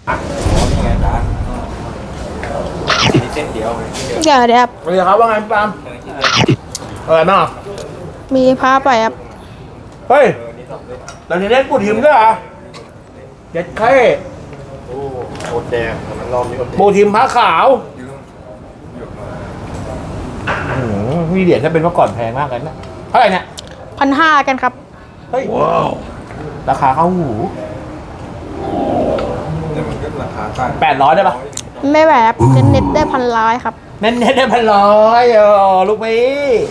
นี่ไงจ๊ะมีเส้นเดียวเดี๋ยวครับสวัสดีครับว่าไงปาล์มอะไรบ้างอ่ะมีผ้าไปครับเฮ้ยเราจะเล่นปูทิมด้วยเหรอเจ็ดไข่โอ้โอแดงมันรอบนี้โอแดงปูทิมผ้าขาวมีเหรียญถ้าเป็นเมื่อก่อนแพงมากเลยนะเท่าไหร่เนี่ย 1,500กันครับเฮ้ยว้าวราคาเข้าหูเนี่ยมันก็ราคาตั้ง 800ได้ปะไม่แหวบเน็ตได้1,100ครับเน้นๆได้1,100ลูกพี่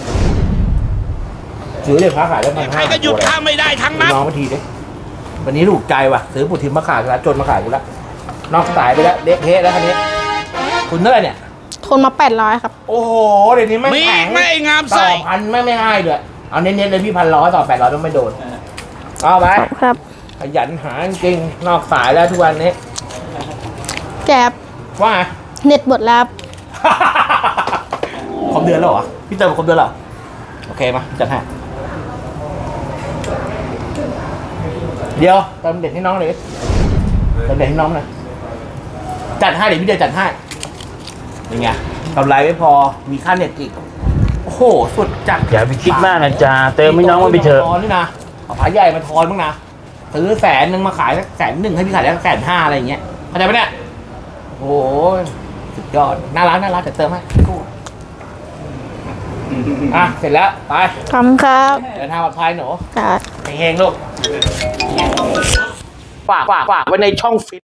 ซื้อเหรียญผ้าขาวได้1,500 ใครก็หยุดข้ามไม่ได้ทั้งนั้นน้องมาทีดิวันนี้ถูกใจว่ะซื้อปูทิมมาขายกูแล้วจนมาขายกูแล้วนอกสายไปแล้วเด็กเทะแล้วคันนี้คุณเท่าไหร่เนี่ยทนมา800ครับโอ้โหเดี๋ยวนี้ไม่มีแข็งไม่งามต่ไส้อพันไม่ง่ายด้วยเอาเน้นๆเลยพี่1,100ต่อ800ต้องไม่โดนเอาไปครับขยันหาจริงนอกสายแล้วทุกวันนี้แกบว่าไงเน็ตหมดแล้วครับครบเดือนแล้วเหรอพี่เติมครบเดือนแล้วเหรอโอเคมาจัดให้เดี๋ยวเติมเด็ดให้น้องเลยเติมเด็ดให้น้องหน่อยจัดให้เดี๋ยวพี่เดียวจัดให้ยังไงกำไรไม่พอมีค่าเน็ตอีกโอ้โหสุดจัดอย่าไปคิดมากนะจ๊ะเติมให้น้องมันไปเถอะทอนนี่นะเอาผาใหญ่มาทอนบ้างนะซื้อ100,000มาขายสัก100,000ให้พี่ขายได้150,000อะไรอย่างเงี้ยเข้าใจไหมเนี่ยโอ้โหสุดยอดน่ารักแต่เติมให้อ่ะเสร็จแล้วไปขอบคุณครับเดินทางปลอดภัยหนูครับเฮงๆลูกฝากไว้ในช่องฟิต